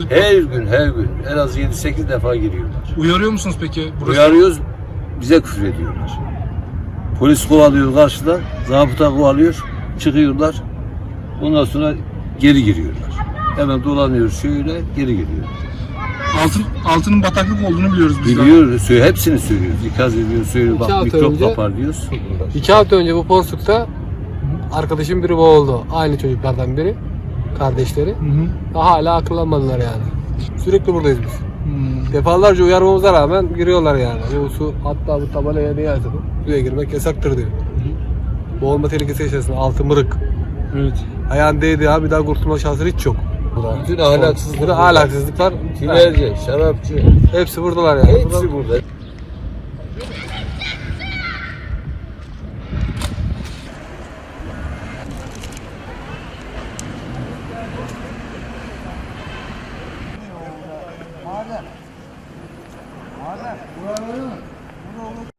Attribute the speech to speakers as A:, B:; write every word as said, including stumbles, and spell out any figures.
A: Her gün, her gün en az yedi sekiz defa giriyorlar.
B: Uyarıyor musunuz peki? Burası...
A: Uyarıyoruz, bize küfür ediyorlar. Polis kovalıyor karşıdan, zabıta kovalıyor, çıkıyorlar. Ondan sonra geri giriyorlar. Hemen dolanıyoruz şöyle, geri giriyorlar.
B: Altın, altının bataklık olduğunu biliyoruz biz.
A: Biliyoruz, söyle, hepsini söylüyoruz. İkaz ediyoruz, söylüyoruz, bak
C: hafta
A: mikrop
C: önce-
A: kapar diyoruz.
C: İki hafta önce bu Porsuk'ta arkadaşım biri boğuldu. Aynı çocuklardan biri. Kardeşleri.
B: Hı hı.
C: Daha hala akıllanmadılar yani. Sürekli buradayız biz.
B: Hmm.
C: Defalarca uyarmamıza rağmen giriyorlar yani. Bu su hatta bu tabelaya ne yazdı bu? Suya girmek yasaktır diyor. Boğulma tehlikesi yaşasın. Altı mırık.
B: Evet.
C: Ayağın değdi ya, bir daha kurtulma şansı hiç yok.
A: Bütün ahlaksızlıklar,
C: Burada ahlaksızlıklar.
A: tinerci, şarapçı,
C: Hepsi buradalar yani.
A: hepsi burada.
D: Madem. Madem. Buraya var mı? Burada olur.